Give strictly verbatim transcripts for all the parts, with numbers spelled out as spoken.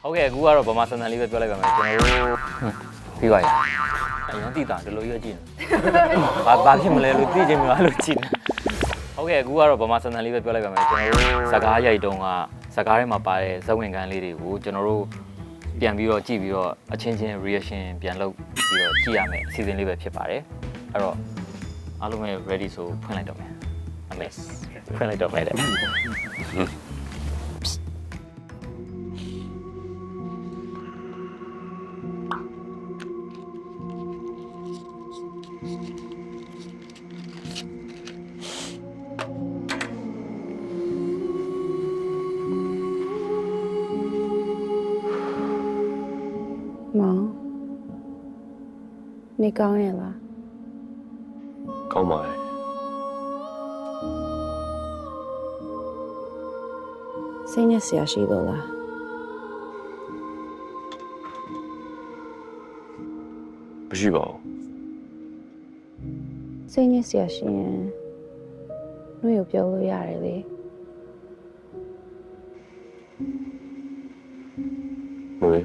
ဟုတ်ကဲ့အခုကတော့ဗမာစံတန်လေးပဲပြောလိုက်ပါမယ်ကျွန်တော်တို့ပြီးပါရအရင်တိတာဒီလိုရွက်ကြည့်နေဘာဘာဖြစ်မလဲလို့သိချင်မှာလို့ကြည့်နေဟုတ်ကဲ့အခုကတော့ဗမာစံတန်လေးပဲပြောလိုက်ပါမယ်ကျွန်တော်တို့စကားရိုက်တုံးကစကားထဲမှာပါတဲ့ဇက်ဝင်ကန်းလေးတွေကိုကျွန်တော်တို့ပြန်ပြီးတော့ကြည့်ပြီးတော့အချင်းချင်း reaction ပြန်လုပ်ပြီးတော့ကြည့်ရမယ်အစီအစဉ်လေးပဲဖြစ်ပါတယ်အဲ့တော့အားလုံးပဲ ready ဆိုဖွင့်လိုက်တော့မယ်အမေဖွင့်လိုက်တော့မယ်တဲ့မောင်နေကောင်းရဲ့လားကောင်းပါရဲ့စိတ်နဲ့ဆရာရှိလို့လားမရှိပါဘူးစိတ်နဲ့ဆရာရှိရင်နှွေကိုပြောလို့ရတယ်လေမွေ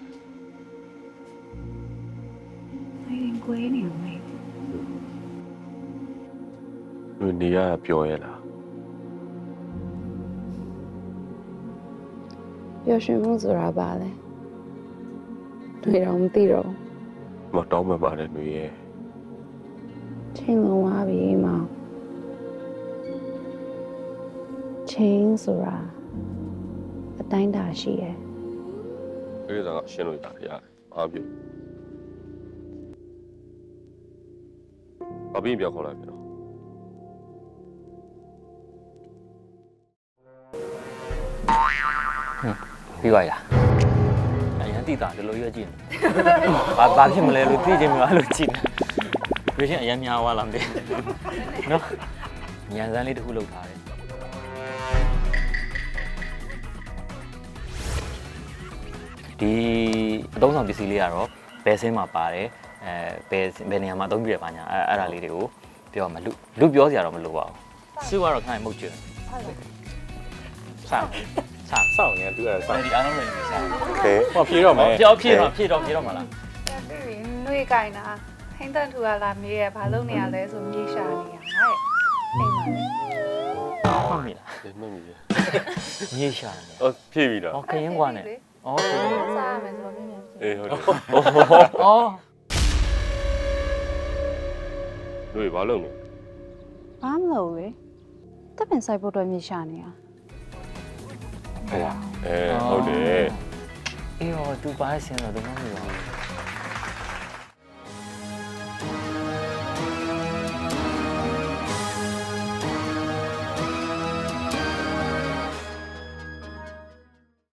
အဲ့ကိုယ်နေမေးမွေနေရပြောရလားပျော်ရွှင်မှုဆိုတာဘာလဲနှွေတော့မသိတော့မတောင်းမှပါတယ်မွေရဲ့ချိန်လုံးသွားပြီမောင်ချိန်ဆိုတာအတိုင်းတာရှိရဲ့အဲ့ဒါကရှင်းလို့တာရတယ်အားပြုအပြင်ပြောခေါ်လိုက်ပြန်တော့ပြီးပါရအရင်တိတာဒီလိုရွက်ကြည့်နေဘာဘာဖြစ်မလဲလို့သိချင်မှာလို့ကြည့်နေ reaction အရင်များသွားလားမသိနော်ညံစမ်းလေးတစ်ခုလုပ်ထားတယ်ဒီအသုံးဆောင်ပစ္စည်းလေးကတော့ဘယ်ဆင်းမှာပါတယ်အဲဘယ်ဘယ်နေရာမှာအသုံးပြရပါညာအဲအဲ့ဒါလေးတွေကိုပြောမှာလူလူပြောစရာတော့မလိုပါဘူးစုကတော့ခိုင်းမှုတ်ကျွန်းစမ်းစမ်းစောင့်နေတူအဲ့ဒါစောင့်ဒီအားလုံးလည်းစမ်းโอเคဟောဖြေတော့မယ်ပြောဖြည့်တော့ဖြည့်တော့ဖြည့်တော့မလားပြီးပြီနှွေးကြိုင်တာဟင်းတန်ထူကလာမေးရဘာလုပ်နေရလဲဆိုမြေရှာနေရတဲ့အိမ်မှာလေမှတ်မိလားဒီမမီမြေရှာနေအော်ဖြည့်ပြီလားဩခရင်ကွာနဲ့ဩခရင်စားရမယ်ဆိုတော့ပြင်းပြင်းဖြစ်အေးဟုတ်တယ်ဩတို့ဘာလုပ်နေဘာမလို့လေတပ်ပင်ဆိုင်ဖို့အတွက်မြေရှာနေရဟဲ့အဲဟုတ်တယ်အေးဟောသူပါဆင်းတော့သူမမီပါ